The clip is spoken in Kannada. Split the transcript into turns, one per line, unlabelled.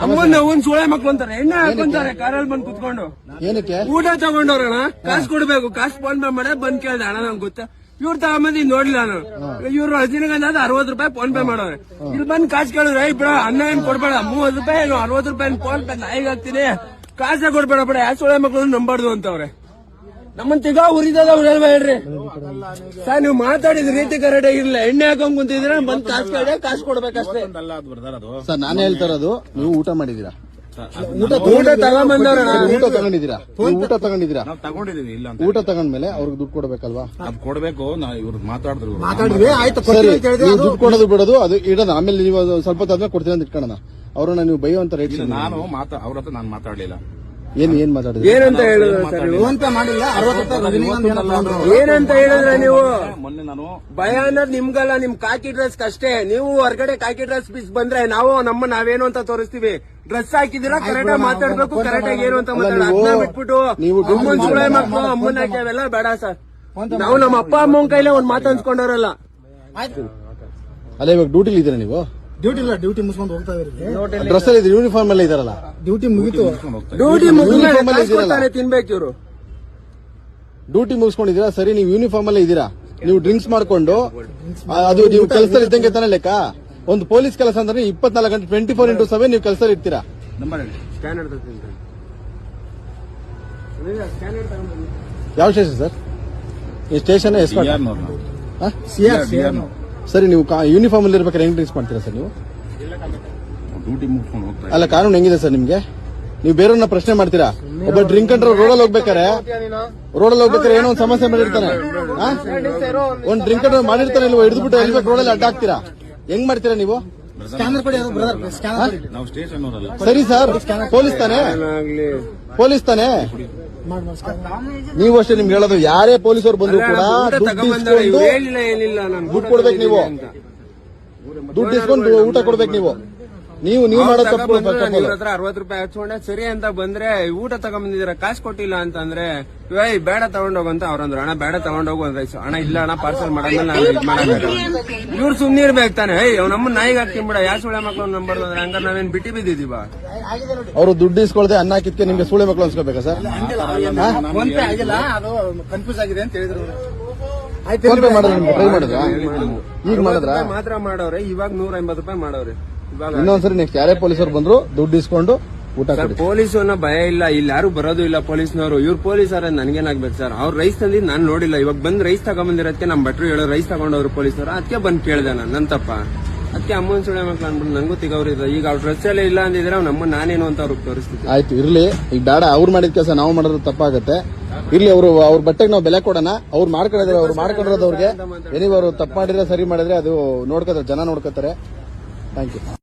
ಅಮ್ಮನ ಒಂದ್ ಸೋಳೆ ಮಕ್ಳು ಅಂತಾರೆ ಎಣ್ಣೆ ಹಾಕೊಂತಾರೆ ಕಾರಲ್ಲಿ ಬಂದ್ ಕುತ್ಕೊಂಡು
ಏನಕ್ಕೆ
ಊಟ ತಗೊಂಡವ್ರಣ ಕಾಸು ಕೊಡ್ಬೇಕು ಕಾಸು ಫೋನ್ ಪೇ ಮಾಡ ಬಂದ್ ಕೇಳ್ದೆ ಅಣ್ಣ ನಂಗೆ ಗೊತ್ತಾ ಇವ್ರು ತಗೊಂಬಂದ್ ನೋಡ್ಲಿಲ್ಲ ನಾನು ಇವ್ರು 10 60 ರೂಪಾಯಿ ಫೋನ್ ಪೇ ಮಾಡೋರೆ ಇಲ್ಲಿ ಬಂದ್ ಕಾಸು ಕೇಳಿದ್ರೆ ಬಿಡ ಅನ್ನ ಏನ್ ಕೊಡ್ಬೇಡ 30 ರೂಪಾಯಿ ಏನು 60 ರೂಪಾಯಿ ಫೋನ್ ಪೇ ನಾಯಿಗೆ ಹಾಕ್ತೀನಿ ಕಾಸೇ ಕೊಡ್ಬೇಡ ಬಿಡ ಯಾವ ಸೋಳೆ ಮಕ್ಳು ನಂಬಾರ್ದು ಅಂತವ್ರೆ ನಮ್ಮನ್ ತಿಗಾ ಉರಿದದ ಅವ್ರು ಹೇಳ್ರಿ ಸರ್ ನೀವು ಮಾತಾಡಿದ ರೀತಿ ಕರೆಕ್ಟ್ ಆಗಿರ್ಲಿಲ್ಲ ಎಣ್ಣೆ ಹಾಕೊಂಡ್ ಕುಂತಿದ್ರೆ ಬಂದ್ ಕಾಸು ಕೇಳಿ ಕಾಸು ಕೊಡ್ಬೇಕಷ್ಟೇ
ಸರ್ ನಾನು ಹೇಳ್ತಾ ಇರೋದು ನೀವು ಊಟ ಮಾಡಿದೀರಾ
ಊಟ ತಗೊಂಬಂದವ್ರ
ಊಟ ತಗೊಂಡಿದ್ದೀರಾ ಊಟ ತಗೊಂಡಿದ್ದೀರಾ
ತಗೊಂಡಿದೀವಿ ಇಲ್ಲ ಅಂತ
ಊಟ ತಗೊಂಡ್ಮೇಲೆ ಅವ್ರಿಗೆ ದುಡ್ಡು ಕೊಡ್ಬೇಕಲ್ವಾ
ಅದ್ ಕೊಡ್ಬೇಕು ಇವ್ರು ಮಾತಾಡಿದ್ರು
ಸರಿ ನೀವು ದುಡ್ಡು ಕೊಡೋದು ಬಿಡೋದು ಅದು ಇಡೋದು ಆಮೇಲೆ ನೀವು ಸ್ವಲ್ಪ ಹೊತ್ತಾದ್ಮೇಲೆ ಕೊಡ್ತೀರ ಅಂತ ಇಟ್ಕೊಳ್ಳೋಣ ಅವ್ರನ್ನ ನೀವು ಬೈಯುವಂತ ರೇಟ್
ನಾನು ಅವ್ರ ಹತ್ರ ನಾನು ಮಾತಾಡ್ಲಿಲ್ಲ
ಏನ್ ಮಾತಾಡಿದ್ರಿ
ಏನಂತ ಹೇಳಿದ್ರೆ ಏನಂತ ಹೇಳಿದ್ರೆ ನೀವು
ಮೊನ್ನೆ ನಾನು
ಭಯ ಅನ್ನೋದು ನಿಮ್ಗಲ್ಲ ನಿಮ್ ಕಾಕಿ ಡ್ರೆಸ್ ಅಷ್ಟೇ ನೀವು ಹೊರಗಡೆ ಕಾಕಿ ಡ್ರೆಸ್ ಪೀಸ್ ಬಂದ್ರೆ ನಾವು ನಾವೇನು ಅಂತ ತೋರಿಸ್ತೀವಿ ಡ್ರೆಸ್ ಹಾಕಿದಿರಾ ಕರೆಕ್ಟ್ ಆಗಿ ಮಾತಾಡ್ಬೇಕು ಕರೆಕ್ಟ್ ಆಗಿ ಏನು ಅಂತ ಮಾತಾಡ ಬಿಟ್ಬಿಟ್ಟು ಅಮ್ಮನ್ ಸುಳೆ ಮಕ್ಕಳು ಅಮ್ಮನ ಹಾಕ್ಯಾವೆಲ್ಲ ಬೇಡ ಸರ್ ನಾವು ನಮ್ಮ ಅಪ್ಪ ಅಮ್ಮನ ಕೈಲೇ ಒಂದ್ ಮಾತು ಅನ್ಸ್ಕೊಂಡವ್ರಲ್ಲ
ಅಲ್ಲ ಇವಾಗ ಡ್ಯೂಟಿಲಿ ಇದ್ದೀರಾ ನೀವು
ಡ್ಯೂಟಿ ಮುಗಿಸ್ಕೊಂಡು ಹೋಗ್ತಾ ಇದ್ರಿ
ಡ್ರೆಸ್ ಅಲ್ಲಿ ಯೂನಿಫಾರ್ಮ್ ಎಲ್ಲ ಇದಾರಲ್ಲ
ಡ್ಯೂಟಿ ಮುಗಿತು
ಡ್ಯೂಟಿ ಮುಗಿಸ್ತಾರೆ ತಿನ್ಬೇಕು ಇವ್ರು
ಡ್ಯೂಟಿ ಮುಗಿಸ್ಕೊಂಡಿದ್ದೀರಾ ಸರಿ ನೀವು ಯೂನಿಫಾರ್ಮ್ ಅಲ್ಲೇ ಇದ್ದೀರಾ ನೀವು ಡ್ರಿಂಕ್ಸ್ ಮಾಡ್ಕೊಂಡು ಅದು ನೀವು ಕೆಲಸದಲ್ಲಿ ಇದ್ದಂಗೆ ತಾನೇ ಲೆಕ್ಕ ಒಂದು ಪೊಲೀಸ್ ಕೆಲಸ ಅಂದ್ರೆ 24 ಗಂಟೆ 24x7 ನೀವು ಕೆಲಸದಲ್ಲಿ ಇರ್ತೀರಾ ಯಾವ ಸ್ಟೇಷನ್ ಸರ್ ಈ ಸ್ಟೇಷನ್ ಸರಿ ನೀವು ಯೂನಿಫಾರ್ಮ್ ಅಲ್ಲಿ ಇರ್ಬೇಕಾದ್ರೆ ಹೆಂಗ್ ಡ್ರಿಂಕ್ಸ್ ಮಾಡ್ತೀರಾ ಸರ್ ನೀವು
ಡ್ಯೂಟಿ ಮುಗಿಸ್ಕೊಂಡು ಹೋಗ್ತಾ
ಅಲ್ಲ ಕಾನೂನು ಹೆಂಗಿದೆ ಸರ್ ನಿಮ್ಗೆ ನೀವು ಬೇರೆಯವ್ರನ್ನ ಪ್ರಶ್ನೆ ಮಾಡ್ತೀರಾ ಒಬ್ಬ ಡ್ರಿಂಕ್ ಅಂಡ್ರೆ ರೋಡಲ್ಲಿ ಹೋಗ್ಬೇಕಾರೆ ಏನೋ ಒಂದು ಸಮಸ್ಯೆ ಮಾಡಿರ್ತಾನೆ ಒಂದ್ ಡ್ರಿಂಕ್ ಅಂಡ್ರೆ ಮಾಡಿರ್ತಾನೆ ಇಲ್ವ ಹಿಡಿದ್ಬಿಟ್ಟು ಎಲ್ಬೇಕು ರೋಡಲ್ಲಿ ಅಡ್ಡ ಹಾಕ್ತೀರಾ ಹೆಂಗ್ ಮಾಡ್ತೀರಾ ನೀವು
ನಾವು ಸ್ಟೇಷನ್ ಅವರಲ್ಲ
ಸರಿ ಸರ್ ಪೊಲೀಸ್ ತಾನೇ ನೀವು ಅಷ್ಟೇ ನಿಮ್ಗೆ ಹೇಳೋದು ಯಾರೇ ಪೊಲೀಸರು ಬಂದ್ರು ಕೂಡ ದುಡ್ಡು ಕೊಡ್ಬೇಕು ನೀವು ದುಡ್ಡು ಇಸ್ಕೊಂಡು ಊಟ ಕೊಡ್ಬೇಕು ನೀವು ಮಾಡೋ ತಪ್ಪು
60 ರೂಪಾಯಿ ಹಚ್ಕೊಂಡೆ ಸರಿ ಅಂತ ಬಂದ್ರೆ ಊಟ ತಗೊಂಡ್ಬಂದಿದ್ದೀರಾ ಕಾಸು ಕೊಟ್ಟಿಲ್ಲ ಅಂತಂದ್ರೆ ಬೇಡ ತಗೊಂಡೋಗಂತ ಅವ್ರಂದ್ರು ಅಣ್ಣ ಬೇಡ ತಗೊಂಡೋಗು ಅಂದ್ರೆ ಅಣ್ಣ ಇಲ್ಲ ಅಣ್ಣ ಪಾರ್ಸಲ್ ಮಾಡಾದ್ಮೇಲೆ ನಾನು ಇದು ಮಾಡಬೇಕು ಇವ್ರು ಸುಮ್ನೆ ಇರ್ಬೇಕು ತಾನೆ ನಮ್ಮ ನಾಯಿಗೆ ಹಾಕ್ತೀನಿ ಬಿಡ ಯಾವ ಸುಳೆ ಮಕ್ಳು ನಂಬರ್ ಅಂದ್ರೆ ಹಂಗಾರೆ ನಾವೇನ್ ಬಿಟ್ಟಿ ಬಿದ್ದಿದೀವ
ಅವರು ದುಡ್ಡು ಇಸ್ಕೊಳ್ದೆ ಅನ್ನ ಹಾಕಿದ್ಕೆ ನಿಮ್ಗೆ ಸುಳೆ ಮಕ್ಳು ಅನ್ಸ್ಕೋಬೇಕಾ ಸರ್
ಕನ್ಫ್ಯೂಸ್ ಆಗಿದೆ ಅಂತ ಹೇಳಿದ್ರು
ಟ್ರೈ ಮಾಡಿದ್ರ ಈಗ ಮಾಡಿದ್ರ
ಮಾತ್ರ ಮಾಡವ್ರೆ ಇವಾಗ 150 ರೂಪಾಯಿ ಮಾಡವ್ರೆ
ಇನ್ನೊಂದ್ಸರಿ ನೆಕ್ಸ್ಟ್ ಯಾರೇ ಪೊಲೀಸರು ಬಂದ್ರು ದುಡ್ಡು ಇಸ್ಕೊಂಡು ಊಟ ಕೊಡಿ
ಪೊಲೀಸ್ ಅನ್ನೋ ಭಯ ಇಲ್ಲ ಇಲ್ಲಿ ಯಾರು ಬರೋದು ಇಲ್ಲ ಪೊಲೀಸ್ನವರು ಇವ್ರು ಪೊಲೀಸರ ನನ್ಗೇನಾಗ್ಬೇಕು ಸರ್ ಅವ್ರು ರೈಸ್ ತಂದಿ ನಾನು ನೋಡಿಲ್ಲ ಇವಾಗ ಬಂದ್ ರೈಸ್ ತಗೊಂಬಂದಿರೋದಕ್ಕೆ ನಮ್ ಭಟ್ರು ಹೇಳೋ ರೈಸ್ ತಗೊಂಡವ್ರು ಪೊಲೀಸರು ಅದಕ್ಕೆ ಬಂದ್ ಕೇಳ್ದೆ ನಾನು ನನ್ ತಪ್ಪ ಅದಕ್ಕೆ ಅಮ್ಮನ್ ಸುಳೆ ಮಕ್ಳು ಅನ್ಬಿಟ್ಟು ನಂಗೂ ತಿಗವ್ರಿದ ಈಗ ಅವ್ರ ಡ್ರೆಸ್ ಎಲ್ಲ ಇಲ್ಲ ಅಂದಿದ್ರೆ ನಮ್ಮ ನಾನೇನು ಅಂತ ಅವ್ರಿಗೆ ತೋರಿಸ್ತಿದ್ದೆ
ಆಯ್ತು ಇರ್ಲಿ ಈಗ ಬೇಡ ಅವ್ರು ಮಾಡಿದ ಕೆಲಸ ನಾವು ಮಾಡೋದು ತಪ್ಪಾಗತ್ತೆ ಇರ್ಲಿ ಅವ್ರ ಬಟ್ಟೆಗೆ ನಾವು ಬೆಲೆ ಕೊಡೋಣ ಅವ್ರು ಮಾಡ್ಕೊಂಡಿದ್ರೆ ಅವ್ರು ಮಾಡ್ಕೊಂಡಿರೋದು ಅವ್ರಿಗೆ ಏನಿವ್ ಅವ್ರು ತಪ್ಪು ಮಾಡಿದ್ರೆ ಸರಿ ಮಾಡಿದ್ರೆ ಅದು ನೋಡ್ಕೋತಾರೆ ಜನ ನೋಡ್ಕೋತಾರೆ ಥ್ಯಾಂಕ್ ಯು